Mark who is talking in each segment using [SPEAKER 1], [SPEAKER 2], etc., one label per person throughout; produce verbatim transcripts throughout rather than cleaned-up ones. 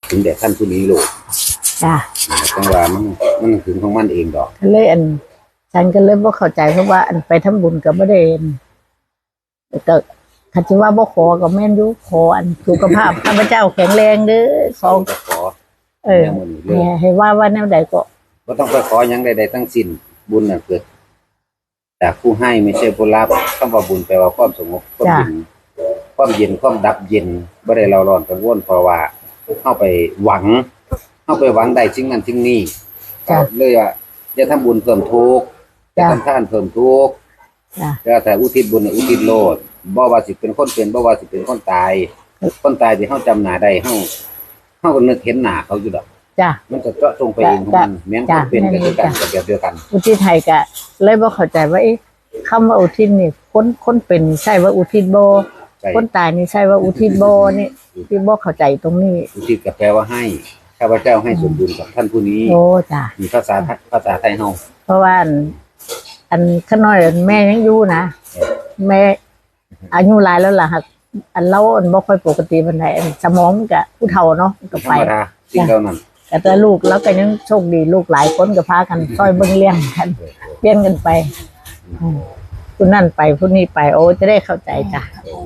[SPEAKER 1] ถึงแต่ท่านผู้นี้โลก
[SPEAKER 2] จ้ะ
[SPEAKER 1] จังว่ามันมันถึงของมันเองดอก
[SPEAKER 2] ก็เลยอันฉันก็เลยบ่เข้าใจเพราะว่าอันไปทำบุญก็บ่ได้ก็คันสิว่าบ่ขอก็แม่นอยู่ขออันสุขภาพข้าพเจ้าแข็งแรงเด้อขอ
[SPEAKER 1] ขอ
[SPEAKER 2] เออให้ว่าว่าแนวใดก็
[SPEAKER 1] บ่ต้องไปขอหยังใดๆทั้งสิ้นบุญน่ะเกิดจากผู้ให้ไม่ใช่ผู้รับคำว่าบุญแปลว่าความสงบความเย็นความเย็นความดับเย็นบ่ได้เราร้อนกังวลเพราะว่าเฮาไปหวังเฮาไปหวังได้สิ่งนั้นสิ่งนี้เลยว่าจะทำบุญเพิ่มทุกข์จะทำทานเพิ่มทุกข์จะแต่อุทิศบุญอุทิศโลดบ่ว่าสิเป็นคนเป็นบ่ว่าสิเป็นคนตายคนตายที่เฮาจำหน้าได้เฮาเฮาก็นึกเห็นหน้าเขาอยู่ดอก
[SPEAKER 2] จ้ะ
[SPEAKER 1] มันจะเจาะจงไปเองของมันแม้นเป็นกันคือกันแบบเดียวกัน
[SPEAKER 2] อุทิศให้ก็เลยบ่เข้าใจว่าเอ๊ะคำว่าอุทิศนี่คนคนเป็นใช่ว่าอุทิศบ่คนตายนี่ใช่ว่าอุทิศบ่นี่ที่บ่เข้าใจตรงนี้
[SPEAKER 1] อุทิศก็แปลว่าให้ข้าพเจ้าให้ส่วนบุญกับท่านผู้นี้
[SPEAKER 2] โอ้จ้ะ
[SPEAKER 1] มีภาษาภาษาไทยเฮา
[SPEAKER 2] เพราะว่าอันขน้อยแม่ยังอยู่นะแม่อายุหลายแล้วล่ะครับอันเราอันบ่ค่อยปกติปานใดสมองก็ผู้เฒ่าเนาะก็ไป
[SPEAKER 1] สิ่งเหล่านั้น
[SPEAKER 2] แต่ลูกแล้วก็ยังโชคดีลูกหลายคนก็พากันช่วยเบิ่งเลี้ยงกันเปลี่ยนกันไปผู้นั่นไปผู้นี้ไปโอ้จะได้เข้าใจจ้ะ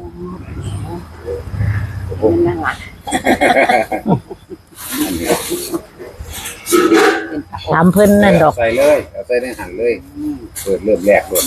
[SPEAKER 2] นั่นล่ะถามเพิ่นนั่นดอก
[SPEAKER 1] ใส่เลยเอาใส่ในหั่นเลยเปิดเริ่มแรกเลย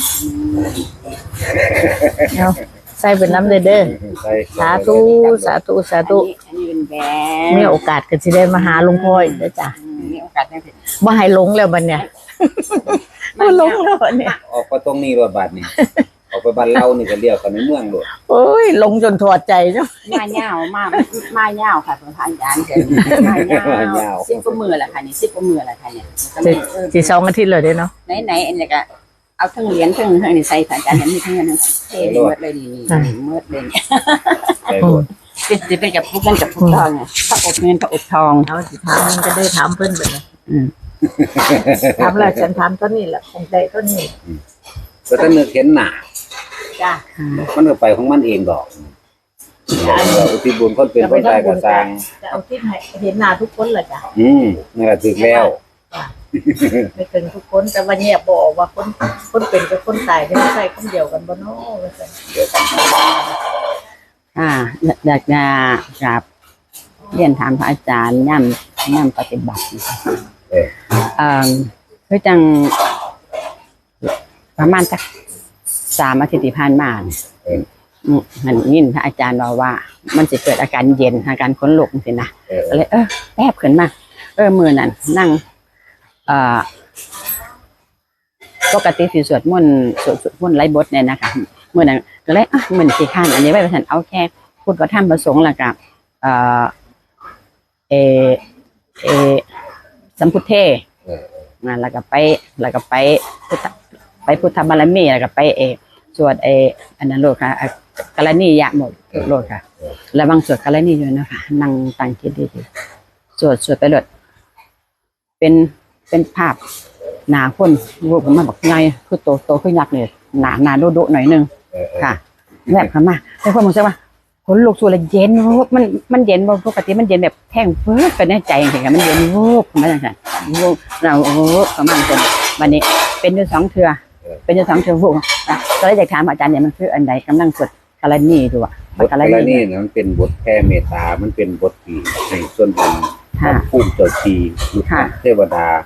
[SPEAKER 2] เอาใส่เป็นน้ำเด้อเด้อสาธุสาธุสาธุมีโอกาสก็สิได้มาหาหลวงพ่ออีกเด้อจ้ะ
[SPEAKER 3] มีโอกาสได้ถึง
[SPEAKER 2] บ่ให้หลงแล้วบัดเนี่ยบ่หลงแล้วบัดเนี่ย
[SPEAKER 1] ออกไปตรงนี้รถบัดนี่ออกไปบ้านเรานี่ก็เรียกกันในเมืองโลด
[SPEAKER 2] โอ้ยหลงจนถอดใจเนาะ
[SPEAKER 3] มาเหย้ามากมาเหย้าค่ะท่านอาจารย์เกินมาเหย้าสิบกว่ามื้อแล้วค่ะนี่สิบกว่ามื้อแล้วค่ะเนี่ย
[SPEAKER 2] สิสองอาทิตย์เลยเด้เนาะ
[SPEAKER 3] ไหนๆอันนี้ก็เอาทั้งเหรียญทั้งทั้งนี่ใส่ท่านอาจารย์มีทั้งนั้นเทหมดเลยนี่หมดเลยเป็นสิเป็นกับพวกนั้นกับพวกทองเนี่ยพระอบเงินพระอบทอง
[SPEAKER 2] เอาสิถามมันก็ได้ถามเพิ่นแบบนี้อืมถามแล้วฉันถามต้นนี้แหละคงได้ต้นนี้
[SPEAKER 1] ก็ถ้านึกเห็นหน้า
[SPEAKER 2] จ้ะ
[SPEAKER 1] มันก็ไปของมันเองดอกอุทิศบุญคนเป็นคนตายก็สร้าง
[SPEAKER 2] จะเอาที่ให้เห็นหน้าทุกคนแหละจ้ะ
[SPEAKER 1] อืมนั่นแหละถูกแล้ว
[SPEAKER 2] ไม่ถึงทุกคนแต่ว่าเนี่ยบอกว่าคนคนเป็นกับคนตายไม่ใช่คนเดียวกันบ่เนาะว่าซั่น
[SPEAKER 3] อ่าอยากจะกราบเรียนถามพระอาจารย์ย่ำย่ำปฏิบัติเออเอ่อคือจังประมาณสักสามอาทิตย์ที่ผ่านมาเออมันยินพระอาจารย์บอกว่ามันจะเกิดอาการเย็นอาการขนลุกสินะเลยเออแป๊บขึ้นมาเออมือนั่นนั่งเอ่อปกติสิสวดมนต์สวดมนต์ไร้บทเนี่ยนะคะเมื่อนั้นก็เลยอ่ะเหมือนสี่ขั้นอันนี้ไว้ฉันเอาแค่พูดว่าท่านประสงค์แล้วกับเอ่อเอเอสัมพุทเทงานแล้วก็ไปแล้วก็ไปพุทธไปพุทธบารมีแล้วก็ไปเอสวดเออันนั้นโลดค่ะกรณียะหมดโลดค่ะแล้วบางสวดกรณีอยู่นะคะนั่งตั้งคิดดีๆสวดสวดไปโลดเป็นเป็นภาพหนาคนรูปมันบอกไงคือโตโตขึ้นยักษ์เลยหนาหนาโดโดหน่อยนึงค่ะแบบขึ้นมาแต่คนมองใช่ไหมคนลูกสูดเลยเย็นวูบมันมันเย็นบ่ปกติมันเย็นแบบแท่งเพิ่มไปในใจอย่างเงี้ยมันเย็นวูบมาอย่างเงี้ยวูบเราวูบประมาณจนวันนี้เป็นอยู่สองเทือเป็นอยู่สองเทือวูบนะก็เลยอยากถามอาจารย์เนี่ยมันคืออันใดกำลังสวดกรณีดูอ่ะ
[SPEAKER 1] บทกรณีเนี่ยมันเป็นบทแผ่เมตตามันเป็นบทที่ในส่วนบุญภูมิเจ้าทีเทวดา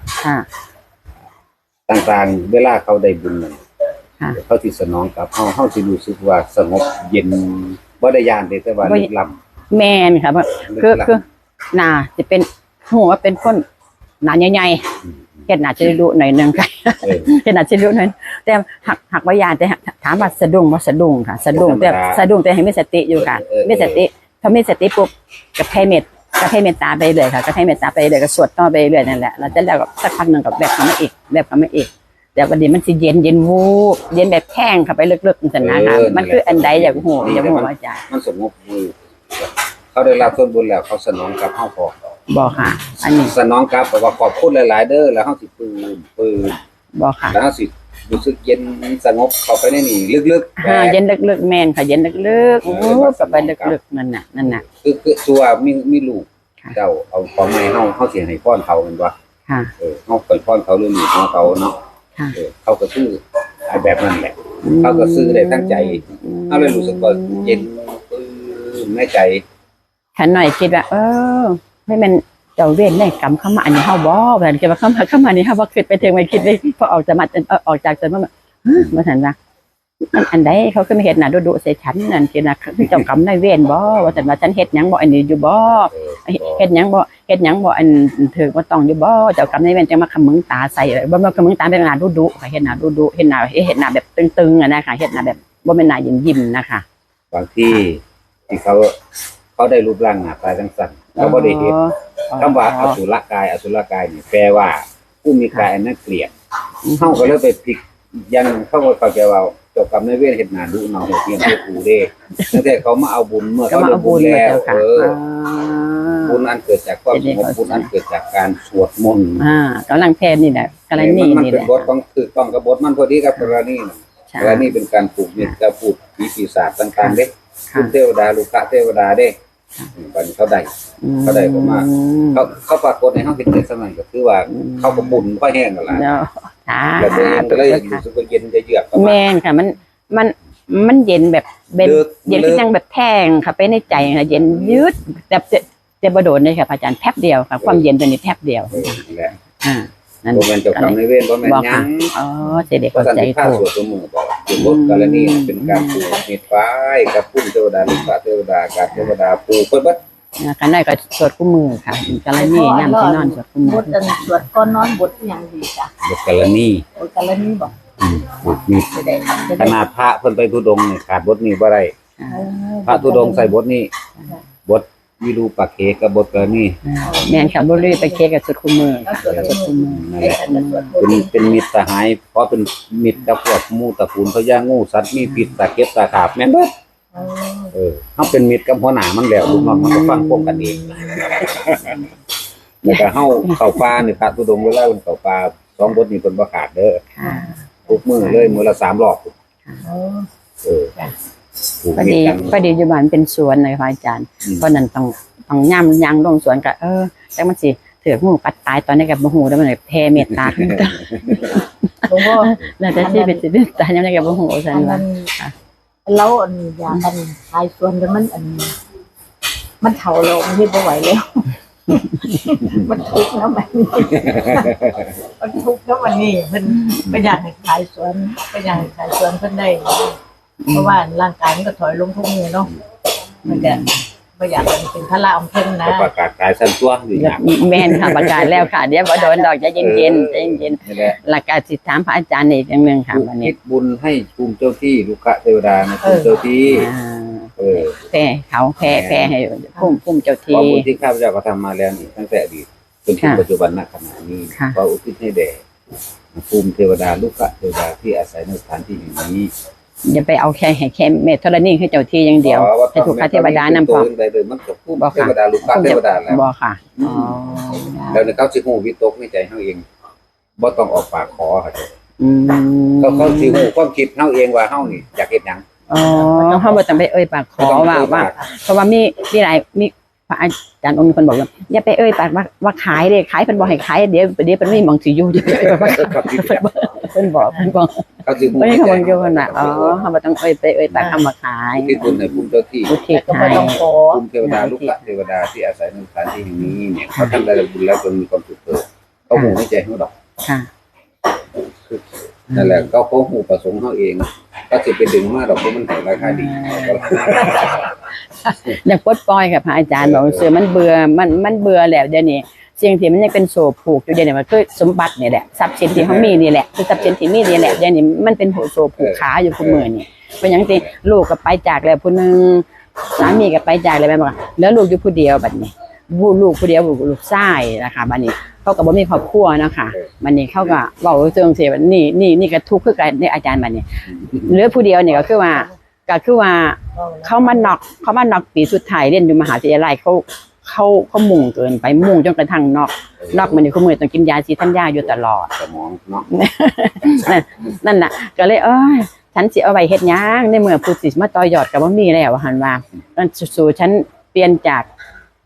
[SPEAKER 1] ต่างๆเวลาเขาได้บุญนั่นเขาที่สนองกับเขาเขาที่รู้สึกว่าสงบเย็นบ่ได้ยานเลยแต่ว่าลึกล้
[SPEAKER 3] ำแมนค่ะคือคือหนาจะเป็นหัวเป็นคนหนาใหญ่ๆเห็นหนาจะรู้หน่อยนึงค่ะเห็นหนาจะรู้หน่อยแต่หักหักวิญญาณแต่ถามว่าสะดุ้งว่าสะดุ้งค่ะสะดุ้งแต่สะดุ้งแต่ให้มีสติอยู่ค่ะมีสติถ้ามีสติปุ๊บกับให้เมตก็ให้เมตตาไปเลยค่ะก็ให้เมตตาไปเลยก็สวดต่อไปเรื่อยนั่นแหละแล้วจะแล้วก็สักพักหนึ่งกับแบบเขาไม่อีกแบบเขาไม่อีกแต่วันนี้มันสิเย็นเย็นวูบเย็นแบบแข้งเข้าไปลึกๆนั่นนะคะมันคืออันใดอย่างหูอย่างหูอาจารย์
[SPEAKER 1] มันสงบวูบเขาได้รับส่วนบุญแล้วเขาสนองกับเฮาพอ
[SPEAKER 3] บอกค่ะอันนี้
[SPEAKER 1] สนองกับบอกว่าขอบคุณหลายๆเด้อแล้วเฮาสิปืนปืน
[SPEAKER 3] บอกค่ะ
[SPEAKER 1] แล้วเฮาสิรู้สึกเย็นสงบเข้าไปในนี่ลึก
[SPEAKER 3] ๆอ่าเย็นลึกๆแม่นค่ะเย็นลึกๆวูบเข้าไปลึกๆนั่นน่ะนั่นน่ะ
[SPEAKER 1] คือคือตัวมีมีลูก
[SPEAKER 3] ค่ะ
[SPEAKER 1] เจ้าเอาของใหม่เฮาเฮาสิให้พรเขาแม่นบ่
[SPEAKER 3] ค่ะ
[SPEAKER 1] เออเฮาไปพรเขาเรื่องนี้ของเขาเนาะ
[SPEAKER 3] ค่ะ
[SPEAKER 1] เออเขาก็ซื้อไอ้แบบนั้นแหละเขาก็ซื้อได้ทั้งใจเอาเลยรู้สึกว่าเย็นปลื้มในใจ
[SPEAKER 3] ขันหน่อยคิดว่าเออให้มันเจ้าเวรแม่กรรมเข้ามาอันนี้เฮาบ่แบบคิดว่าเข้ามาเข้ามานี่เฮาบ่คิดไปถึงไม่คิดเลยพอออกจากมาเออออกจากจนว่ามาทันว่าอันอันใดเขาคือมาเฮ็ดน่ะดุๆใส่ฉันนั่นคิดนะคือเจ้ากรรมนายเวรบ่ว่าแต่ว่าฉันเฮ็ดหยังบ่อันนี้อยู่บ่
[SPEAKER 1] เออ
[SPEAKER 3] เฮ็ดหยังบ่เฮ็ดหยังบ่อันถือบ่ต้องอยู่บ่เจ้ากรรมนายเวรจังมาขมึงตาใส่บ่มาขมึงตาเป็นหน้าดุๆค่ะเฮ็ดหน้าดุๆเฮ็ดหน้าเฮ็ดหน้าแบบตึงๆอ่ะนะคะเฮ็ดหน้าแบบบ่แม่นหน้ายิ้มๆนะคะ
[SPEAKER 1] บางที่ที่เขาเขาได้รูปร่างหน้าตาจังซั่นเขาบ่ได้เฮ็ดคำว่าอสุรกายอสุรกายนี่แปลว่าผู้มีกายอันน่าเกลียดเฮาก็เลยไปพลิกยังเขาก็เข้าใจว่าเจ้ากรรมนายเวรเฮ็ดหน้าดุเนาะเฮียนเฮ็ดกูเด้ตั้งแต่เขามาเอาบุญเมื่อ
[SPEAKER 3] ก็
[SPEAKER 1] เขา
[SPEAKER 3] มา
[SPEAKER 1] ได้
[SPEAKER 3] เอา
[SPEAKER 1] บุ
[SPEAKER 3] บุ
[SPEAKER 1] ญ
[SPEAKER 3] ญมา
[SPEAKER 1] แล้ว
[SPEAKER 3] เจ้าค่ะ
[SPEAKER 1] เออบุญอันเกิดจากความสงบบุญอันเกิดจากการสวดมนต์
[SPEAKER 3] อ่ากำลังแพทย์นี่แหละกรณี
[SPEAKER 1] มัน
[SPEAKER 3] นี่
[SPEAKER 1] เป็
[SPEAKER 3] แห
[SPEAKER 1] น
[SPEAKER 3] ละ
[SPEAKER 1] บทต้องคือต้องกับบทมันพอดีกับกรณีน่ะ
[SPEAKER 3] ใช่
[SPEAKER 1] กรณีเป็นการปลูกมิตรกับพูดผีปีศาจต่างๆเด้
[SPEAKER 3] ค่ะ
[SPEAKER 1] คุณเทวดาลูกะเทวดาเด้บัดนี้เขาได้ เขาได้ประมาณ เขาเขาปรากฏในห้องเห็นในสมัยก็คือว่าเขาก็บุญค่อยแห้งกันละ
[SPEAKER 3] เนาะค่ะ
[SPEAKER 1] แล้วตัวเองก็เลยรู้สึกว่าเย็นจะเยือกประมา
[SPEAKER 3] แม่
[SPEAKER 1] ณ
[SPEAKER 3] นค่ะมันมันมันเย็นแบบเป็น
[SPEAKER 1] ลึก
[SPEAKER 3] เย็น
[SPEAKER 1] ลึ
[SPEAKER 3] ที่
[SPEAKER 1] ก
[SPEAKER 3] ยังแบบแทงค่ะไปในใจค่ะเย็นยืดแบบจะจะบ่โดนเลยค่ะพระอาจารย์แป๊บเดียวค่ะความเย็นตัวนี้แป๊บเดียว
[SPEAKER 1] เออนั่นแหละ
[SPEAKER 3] อ่านั่น
[SPEAKER 1] บ่แม่นเจ้ากรรมนายเวรบ่แม่น
[SPEAKER 3] บอก
[SPEAKER 1] หยั
[SPEAKER 3] ค่ะ
[SPEAKER 1] ง
[SPEAKER 3] อ๋อเสด็จ
[SPEAKER 1] เพราะ
[SPEAKER 3] เข้า
[SPEAKER 1] สัน
[SPEAKER 3] ใจ
[SPEAKER 1] ติภาพ
[SPEAKER 3] ถู
[SPEAKER 1] ส
[SPEAKER 3] ก
[SPEAKER 1] วดสมุบอกเป็นบทกรณีเป็นการปลูกมิตรไว้กับพุ่มเทวดาลูกะเทวดากาเทวดาปลูกเพิ่นเบิด
[SPEAKER 3] นะคะนั่นก็สวดคู่มือค่ะกรณีย่ำที่นอนสวดคู่มื
[SPEAKER 2] บ
[SPEAKER 3] อ
[SPEAKER 2] ทอันสวดก่อนนอนบทอหย่างดีจ้ะ
[SPEAKER 1] บทกรณี
[SPEAKER 2] บทกาลนี้บอก
[SPEAKER 1] อืมปลูกมิตร
[SPEAKER 2] จะได้จะ
[SPEAKER 1] ข
[SPEAKER 2] ได้
[SPEAKER 1] นาดพระเพิ่นไปธุดงค์นี่ขาดบทนี้บ่ได้
[SPEAKER 2] เออ
[SPEAKER 1] พระธุดงค์ใส่บทนี้ บทวิรูปักเขกับบทกรณี
[SPEAKER 3] แม่นค่ะบ่รีไปเคกับสวดคู่มือ
[SPEAKER 2] แล้ว
[SPEAKER 3] ค่ะ
[SPEAKER 2] สวด
[SPEAKER 3] สวดคู่มือ
[SPEAKER 1] นั่น
[SPEAKER 2] ไอ้
[SPEAKER 1] แหละ
[SPEAKER 2] ฉันจะสวดบท
[SPEAKER 1] เป็นเป็นมิตรสหาย เพราะเป็นมิตรกับพวกหมู่ตระกูลพญางูสัตว์มีพิษตะเก็บตะขาบแม่นเบิด
[SPEAKER 2] เออ
[SPEAKER 1] เออเฮาเป็นมิตรกับหัวหน้ามันแล้วลูกน้องมันก็ฟังพวกกันเองแล้วก็เฮาเข้าป่านี่พระธุดงค์เวลาเพิ่นเข้าป่าสองบทนี้เพิ่นบ่ขาดเด้อ
[SPEAKER 3] ค่ะ
[SPEAKER 1] ทุกมื้อเลยมื้อละสามรอบ
[SPEAKER 2] เออ
[SPEAKER 1] เออถูก
[SPEAKER 3] พอ
[SPEAKER 1] มิต
[SPEAKER 3] ดี
[SPEAKER 1] รกัน
[SPEAKER 3] พอดีอยู่บ้านเป็นสวนเลยค่ะอาจารย์
[SPEAKER 1] อืม
[SPEAKER 3] เพราะนั้นต้องต้องย่ำยางลงสวนก็เออแต่มันสิเถือกหมู่ปัดตายตอนนี้กับบ่ฮู้แล้วมันเลยแผ่เมตตาขึ้นมา
[SPEAKER 2] หลวงพ่อ
[SPEAKER 3] แล้วแต่ที่เป็นสิเป็นตายยังไงกับบ่ฮู้ซั่น
[SPEAKER 2] อัน
[SPEAKER 3] ว่า
[SPEAKER 2] นั้นเราอันอยากอันทายส่วนแต่มันอัน มันเฒ่าแล้วมันเฮ็ดบ่ไหวแล้ว มันทุกข์แล้วมันนี่มันทุกข์แล้วมันนี่เพิ่นก็อยากให้ขายสวนก็อยากให้ขายสวนเพิ่นได้ เพราะว่าร่างกายมันก็ถอยลงทุกมื้อเนาะมันก็บ่อยากให้เป็นภาระของเพิ่นนะ
[SPEAKER 1] ก็ประกาศขายสั้นตัวอยู่อย่าง
[SPEAKER 3] แม่นค่ะประกาศแล้วค่ะเดี๋ยวบ่โดนดอกใจเย็นๆใจเย็น
[SPEAKER 1] นี่แหละ
[SPEAKER 3] ๆหลักการสิถามพระอาจารย์อีกอย่างหนึงค่ะวัน
[SPEAKER 1] คิ
[SPEAKER 3] นี้
[SPEAKER 1] ดบุญให้ภูมิเจ้าที่ลูกะเทวดานะภูมิเจ้าที่
[SPEAKER 3] อ่า
[SPEAKER 1] เออ
[SPEAKER 3] แผ่เขาแผ่แผ่ให้พุ่มพุ่มเจ้า
[SPEAKER 1] เพราะ
[SPEAKER 3] ที่
[SPEAKER 1] บุญที่ข้าพเจ้าก็ทำมาแล้วนี่ตั้งแต่อดีตจนถึง
[SPEAKER 3] ค่ะ
[SPEAKER 1] ปัจจุบันณขณะนี้
[SPEAKER 3] ค่ะ
[SPEAKER 1] ก็อุทิศให้แด่ภูมิเทวดาลูกะเทวดาที่อาศัยในสถานที่แห่งนี้
[SPEAKER 3] อย่าไปเอาแค่ให้แค่เมตธรณีให้เจ้าที่อย่างเดียว
[SPEAKER 1] ขอ
[SPEAKER 3] ให้ถูกพระเทวดานำพ
[SPEAKER 1] พ
[SPEAKER 3] อ
[SPEAKER 1] อใดเลยมันกับภูมิเทวดาลูกะเทวดาแล้ว
[SPEAKER 3] บ่ค่ะอ๋อ
[SPEAKER 1] แล้วในเขาสิฮู้วิตกในใจเฮาเองบ่ต้องออกปากขอค่ะ
[SPEAKER 3] อืม
[SPEAKER 1] เขาเขาสิฮู้ความคิดเฮาเองว่าเฮานี่อยากเฮ็ดหยัง
[SPEAKER 3] อ๋อเฮาบ่ต้องไปเอ่ยปากขอว่าว่า เพราะว่ามีมีหลายมีพระอาจารย์องค์นึงเพิ่นบอกว่าอย่าไปเอ่ยปากว่าว่าขายเด้ขายเพิ่นบ่ให้ขายเดี๋ยวเดี๋ยวเพิ่นไม่มองสิอยู่เดี๋ยวเพิ่นบอกเพิ่นบอก
[SPEAKER 1] เขาสิฮู้
[SPEAKER 3] เพิ่น
[SPEAKER 1] ใน
[SPEAKER 3] เขา
[SPEAKER 1] ใจ
[SPEAKER 3] บอกอยู่เพิ่นว่าอ๋อเฮาบ่ต้องเอ่ยไปเอ่ยปากคำว่าขาย
[SPEAKER 1] ที่บุญในภูมิเจ้าที่
[SPEAKER 3] อุทิศ
[SPEAKER 2] ก็
[SPEAKER 3] ให้
[SPEAKER 2] บ่ต้องขอ
[SPEAKER 1] ภูมิเทวดาลูกหลานเทวดาที่อาศัยในสถานที่แห่งนี้เนี่ยเขาทำได้บุญแล้วจนมีความสุขเกิดเขาหูไม่ใจเขาดอก
[SPEAKER 3] ค่ะ
[SPEAKER 1] นั่นแหละเขาเขาหูประสงค์เขาเองก็จะไปดึงมาดอกเพราะมันให้ราคาดี
[SPEAKER 3] อยากปลดปล่อยค่ะพระอาจารย์บอกว่าเสือมันเบื่อมันมันเบื่อแล้วเดี๋ยวนี้สิ่งที่มันยังเป็นโซ่ผูกอยู่เดี๋ยวนี้มันคือสมบัติเนี่ยแหละทรัพย์สินที่เขามีนี่แหละคือทรัพย์สินที่มีนี่แหละเดี๋ยวนี้มันเป็นโซ่ผูกขาอยู่คู่มือนี่เป็นอย่างที่ลูกก็ไปจากแล้วผู้หนึงสามีก็ไปจากแล้วแม่บอกว่าแล้วลูกอยู่ผู้เดียวบัดนี้ลูกลูกผู้เดียวลูกชายนะคะบัดนี้เขาก็บ่มีครอบครัวนะคะบัดนี้เขาก็เว้าเรื่องสิว่านี่นี่นี่ก็ทุกข์คือกันในอาจารย์บัดนี้เหลือผู้เดียวนี่ก็คือว่าก็คือว่า เขามานอกเขามานอกปีสุดท้ายเรียนอยู่มหาวิทยาลัยเขาเขาเขามุ่งเกินไปมุ่งจนกระทั่งนอกนอกมันนี่เขามือต้องกินยาซีทันยาอยู่ตลอด
[SPEAKER 1] สมองเนาะ
[SPEAKER 3] นั่นนั่นน่ะก็เลยเอ้ยฉันสิเอาไว้เฮ็ดหยังในเมื่อผู้สิมาต่อยอดก็บ่มีแล้วว่าหั่นว่านั่นสู่ฉันเปลี่ยนจาก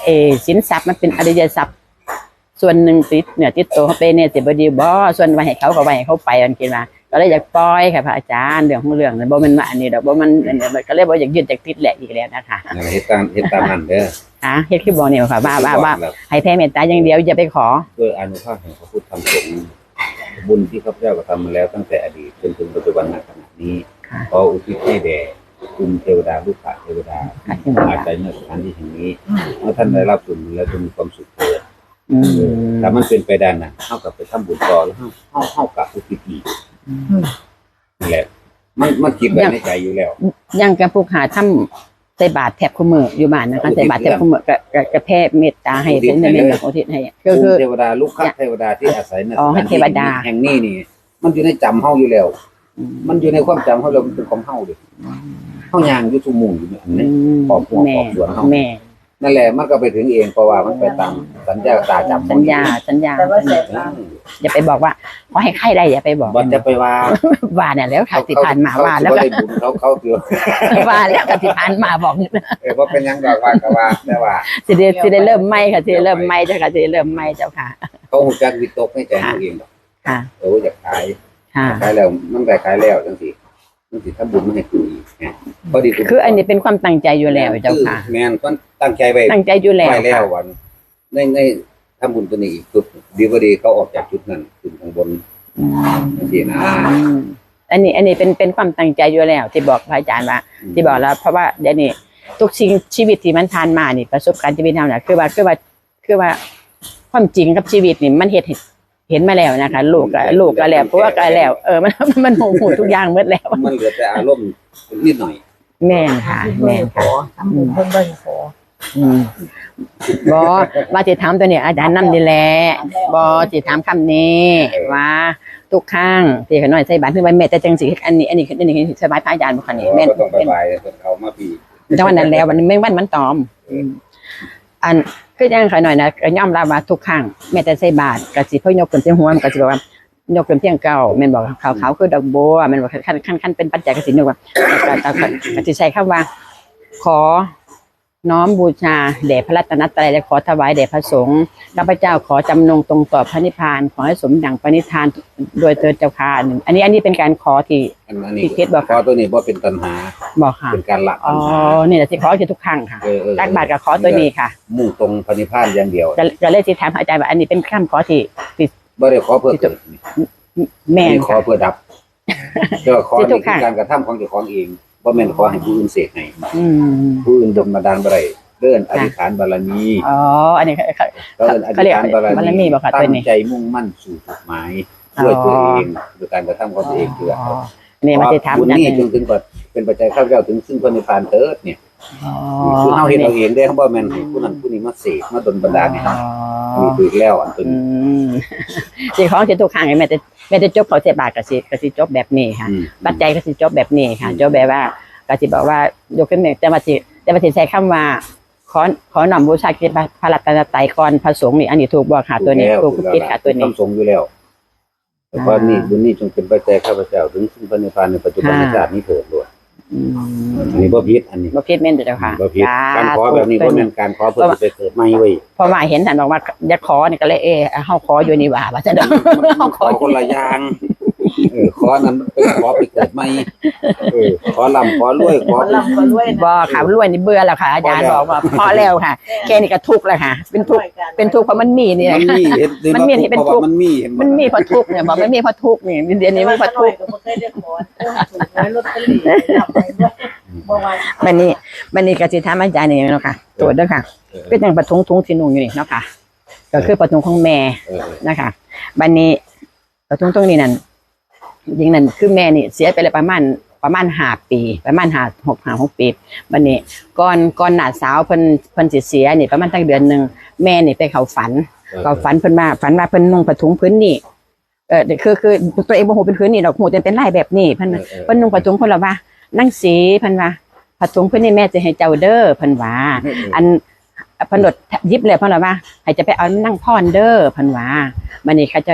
[SPEAKER 3] เออสินทรัพย์มันเป็นอริยทรัพย์ส่วนหนึ่งติดเหนือติดตัวเขาไปเนี่ยสิบดีบ่ส่วนไว้ให้เขาก็ไว้ให้เขาไปมันคิดว่าก็เลยอยากปล่อยค่ะพระอาจารย์เรื่องของเรื่องนั้นบ่มันมาอันนี้ดอกบ่มันอันนี้ก็เลยบ่อยากยึดจากติดแหละอีกแล้วนะคะ
[SPEAKER 1] นั่นเฮ็ดตามเฮ็ดตามนั้นเด้อ
[SPEAKER 3] อ่ะเฮ็ดคือบอกเนี่ยค่ะว่าว่าว่าให้แผ่เมตตาอย่างเดียวอย่าไปขอ
[SPEAKER 1] ด้วยอานุภาพแห่งพระพุทธธรรมสงฆ์บุญที่ข้าพเจ้ากระทำมาแล้วตั้งแต่อดีตจนถึงปัจจุบันณขณะนี้ขออุทิศให้แด่คุณเทวดาลูกค้าเทวดาอาศัยในสถานที่แห่งนี้เมื่อท่านได้รับบุญแล้วจะมีความสุขเกิด
[SPEAKER 3] อืม
[SPEAKER 1] ถ้ามันเป็นไปได้น่ะเฮากับไปทำบุญต่อแล้วเฮาเฮาเฮากับอุทิศอีกนั่นแหละมันมันคิดไว้ในใจอยู่แล้ว
[SPEAKER 3] ยังกับผู้หาทำใส่บาตรแทบคู่มืออยู่บ้านนะคะใส่บาตรแทบคู่มือก็ก็ก็แผ่เมตตาให้เป็นในเรื่องของทิศให้ก็
[SPEAKER 1] ภู
[SPEAKER 3] คือ
[SPEAKER 1] มิเทวดาลูกค้าเทวดาที่อาศัยใน
[SPEAKER 3] อ๋อให้เทวดา
[SPEAKER 1] แห่งนี้นี่ มันอยู่ในจำเฮาอยู่แล้ว มันอยู่ในความจำเฮาแล้วมันเป็นของเฮาดิเฮาย่างอยู่ทุกมุมอยู่อันนี้ ขอบคุณ
[SPEAKER 3] แม่
[SPEAKER 1] ขอบคุณเฮา
[SPEAKER 3] แม่
[SPEAKER 1] นั่นแหละมันก็ไปถึงเองเพราะว่ามันไปตามสัญญาตาจำ
[SPEAKER 3] สัญญาสัญญา
[SPEAKER 2] แต่ว่าแสบ
[SPEAKER 1] เอ
[SPEAKER 2] ตา
[SPEAKER 1] อ
[SPEAKER 3] อย่าไปบอกว่าขอให้ใครได้อย่าไปบอก
[SPEAKER 1] บ่จะไปว่า
[SPEAKER 3] ว่าเนี่ยแล้วค่ะที่ผ่านมา
[SPEAKER 1] เข
[SPEAKER 3] ว่าแล้ว
[SPEAKER 1] เขา
[SPEAKER 3] ก็
[SPEAKER 1] ได้บุญเขาเขาเถือ
[SPEAKER 3] ว่าแล้วก็ที่ผ่านมาบอก
[SPEAKER 1] เออว่าเป็นหยังดอกว่าก็ว่าแต่ว่า
[SPEAKER 3] สิได้สิได้เริ่มใหม่ค่ะสิได้เริ่มใหม่เจ้าค่ะสิได้เริ่มใหม่เจ้าค่ะ
[SPEAKER 1] เขาหูจักวิตกในใจตัวเองดอก
[SPEAKER 3] ค่ะ
[SPEAKER 1] เอออยากขาย
[SPEAKER 3] ค่ะ
[SPEAKER 1] ขายแล้วมันได้ขายแล้วจังซี่จังซี่ถ้าบุญมันให้กูอีกนะพอดี
[SPEAKER 3] คืออันนี้เป็นความตั้งใจอยู่แล้วเจ้าค่ะ
[SPEAKER 1] แม่นก็ตั้งใจไว้
[SPEAKER 3] ตั้งใจอยู่แล้ว
[SPEAKER 1] ไว้แล้ว
[SPEAKER 3] ค่ะ
[SPEAKER 1] วันในในทำบุญตัวนี้อีกจุดดีบ่ดีเขาออกจากจุดนั้นขึ้นข้างบน
[SPEAKER 3] อืม
[SPEAKER 1] จังซี่นะ
[SPEAKER 3] อืมอันนี้อันนี้เป็นเป็นความตั้งใจอยู่แล้ว ที่บอกพระอาจารย์ว่า ที่บอกแล้ว เพราะว่าเดี๋ยวนี้ทุกสิ่งชีวิตที่มันผ่านมานี่ประสบการณ์ชีวิตเราเนี่ยคือว่าคือว่าคือว่าความจริงกับชีวิตนี่มันเห็นเห็นมาแล้วนะคะลูกก็ลูกก็แล้วผัวก็แล้วเออมันมันหูหูทุกอย่างหมดแล้ว
[SPEAKER 1] มันเหลือแต่อารมณ์นิดหน่อย
[SPEAKER 3] แม่นค่ะ แม่น
[SPEAKER 2] ข
[SPEAKER 3] ค่ะ
[SPEAKER 2] อทำบุญเพิ่นเบิ่งขอ
[SPEAKER 3] อืมบอว่าจะถามตัวนี้อาจารย์นำนี่แหละบอจะถามคำนี้ว่าทุกครั้งที่ขน้อยใส่บาตรคือว่าแม่แต่จังสิอันนี้อันนี้อันนี้สบายพระอาจารย์บ่คะนี่แม่น
[SPEAKER 1] ก็ต้องไปบายเอามาปี
[SPEAKER 3] จังวันนั้นแล้ววันนี้แม่งวันมันตอม อันคือยังขน้อยนะก็ยอมรับว่าทุกครั้งแม่แต่ใส่บาตรก็สิเพิ่นยกขึ้นเสียงหัวมันก็สิบอกว่ายกขึ้นเพียงเก่าแม่นบอกขาวๆคือดอกบัวแม่นบอกขั้นขั้นขั้นเป็นปัจจัยก็สิยกว่าก็ก็สิใช้คำว่า ขอน้อมบูชาแด่พระรัตนตรัยและขอถวายแด่พระสงฆ์ข้าพเจ้าขอจำนงตรงต่อพระนิพพานขอให้สมดังปณิธานโดยเถิดเจ้าค่ะหนึ่งอันนี้อันนี้เป็นการขอที่
[SPEAKER 1] อันนี้
[SPEAKER 3] ที่เพชรบอก
[SPEAKER 1] ขอตัวนี้บ่เป็นตัณหา
[SPEAKER 3] บอกค่ะ
[SPEAKER 1] เป็นการละ
[SPEAKER 3] อ๋
[SPEAKER 1] ตั
[SPEAKER 3] อ
[SPEAKER 1] ณหา
[SPEAKER 3] นี่แหละที่ขอคือทุกครั้งค่ะ
[SPEAKER 1] เออเออ
[SPEAKER 3] ตักบาตรกับขอตัวนี้ค่ะ
[SPEAKER 1] มุ่งตรงพระนิพพานอย่างเดียว
[SPEAKER 3] จะจะเลยที่ถามพระอาจารย์ว่าอันนี้เป็นคำขอที่ที่
[SPEAKER 1] บ่ได้ขอเพื่อเกิด
[SPEAKER 3] แม่น
[SPEAKER 1] นี่ขอ
[SPEAKER 3] ค่ะ
[SPEAKER 1] เพื่อดับเจ้าขอ
[SPEAKER 3] ที่ทุ
[SPEAKER 1] นี่
[SPEAKER 3] ก
[SPEAKER 1] คื
[SPEAKER 3] ครั้
[SPEAKER 1] อง การกระทำของเจ้าของเองบ่แม่นขอให้ผู้อื่นเสกให้
[SPEAKER 3] อืม
[SPEAKER 1] ผู้อื่นดลบันดาลบ่ได้เดินอธิษฐานบารมี
[SPEAKER 3] อ๋ออันนี้เขา
[SPEAKER 1] เดินอธิษฐานบาร
[SPEAKER 3] บารมี
[SPEAKER 1] มี
[SPEAKER 3] บ่ค่ะ
[SPEAKER 1] ตั้
[SPEAKER 3] ตัว
[SPEAKER 1] ง
[SPEAKER 3] นี้
[SPEAKER 1] ใจมุ่งมั่นสู่จุดหมายด้วยตัวเองด้วยการกระทำของตัวเองคือ
[SPEAKER 3] อ๋ออันนี้มาที่ถาม
[SPEAKER 1] บุญ
[SPEAKER 3] อาจาร
[SPEAKER 1] นี้
[SPEAKER 3] ย์
[SPEAKER 1] จงถึงก่อนเป็นปัจจัยข้าพเจ้าถึงซึ่งพระนิพพานเถิดเนี่ย
[SPEAKER 3] อ๋อ
[SPEAKER 1] คือเฮาเฮ็ดเอาเองได้เขาบ่แม่นให้ผู้นั้นผู้นี้มาเสกมาดลบันดาลให้เฮามีถูกแล้วอันเป็น
[SPEAKER 3] อืมสิ่งของที่ทุกครั้งแม่จะแม่จะจบเขาเสียบาทกับสิกับสิจบแบบนี้ค่ะ
[SPEAKER 1] อืม
[SPEAKER 3] ปัจจัยก็สิจบแบบนี้ค่ะจบแบบว่าก็สิบอกว่ายกขึ้นมาแต่ว่าสิแต่ว่าสิใช้คำว่าขอขอหน่อมบูชาคิดพระรัตนตรัยก่อนพระสงฆ์นี่อันนี้ถูกบ่ค่ะตัวนี้ถูกคิดค่ะตัวนี้
[SPEAKER 1] ทำสงฆ์อยู่แล้วแต่ว่านี่บุญนี้จงเป็นปัจจัยข้าพเจ้าถึงซึ่งพระนิพพานในปัจจุบันชาตินี้เถิดด้วย
[SPEAKER 3] อืม
[SPEAKER 1] อันนี้บ่ผิดอันนี้
[SPEAKER 3] บ่ผิดแม่นเจ้าค่ะ
[SPEAKER 1] บ่ผิดการขอแบบนี้บ่แม่นการขอเพื่อจะไปเกิดใหม่เว้ย
[SPEAKER 3] เพราะว่าเห็นท่านบอกว่าอย่าขอนี่ก็เลยเออเฮาขออยู่นี่ว่าว่าซั่นเด้อเฮาข
[SPEAKER 1] ข
[SPEAKER 3] อ
[SPEAKER 1] อคนละอย่างเออขอนั้นเป็นขอไปเกิดใหม่เออขอลำขอรวยขอ
[SPEAKER 2] คนลำคนรวยนะ
[SPEAKER 3] บ่ค่ะรวยนี่เบื่อแล้วค่ะอาจารย์บอกว่าพอแล้วค่ะแค่นี้ก็ทุกข์แล้วค่ะ เป็นทุกข์เป็นทุกข์เพราะมันมีนี่แห
[SPEAKER 1] มั
[SPEAKER 3] ละ
[SPEAKER 1] นมีเห็น
[SPEAKER 3] มันมีเห็นเป็นทุกข์
[SPEAKER 1] มันมีเห็น
[SPEAKER 3] มันมีเพราะทุกข์เนี่ยบอกมันมีเพราะทุกข์นี่เดี๋ยวนี้มันเพราะทุกข์
[SPEAKER 2] ก็บ่เคยได้ขอถูกไว้ลอตเตอรี่นำไปด้วยบ่ว่า
[SPEAKER 3] มันนี่มันนี่ก็สิถามอาจารย์นี่เนาะค่ะตรวจเด้อค่ะก็ยังประทุงทุงที่นุ่งอยู่นี่เนาะค่ะ ก็คือประทุงของแม่
[SPEAKER 1] เออ
[SPEAKER 3] นะคะบัดนี้ประทุงตรงนี้นั่นจริงนั่นคือแม่นี่เสียไปแล้วประมาณประมาณห้าปี ประมาณห้าหกห้าหกปีบัดนี้ก่อนก่อนหน้าสาวเพิ่นเพิ่นสิเสียนี่ประมาณตั้งเดือนหนึงแม่นี่ไปเข้าฝัน ก็ฝันเพิ่นมาฝันว่าเพิ่นนุ่งผ้าถุงพื้นนี่เออคือคือตัวเองบ่ฮู้เป็นพื้นนี่ดอกฮู้แต่เป็นลายแบบนี้เพิ่น
[SPEAKER 1] เออเออ
[SPEAKER 3] เพิ่นนุ่งผ้าถุงเพิ่นละว่านั่งสีเพิ่นว่าผ้าถุงพื้นนี่แม่จะให้เจ้าเด้อเพิ่นว่า อันเพิ่นโดดยิบเลยเพิ่นละว่าให้จะไปเอานั่งพรเด้อเพิ่นว่าบัดนี้เขาจะ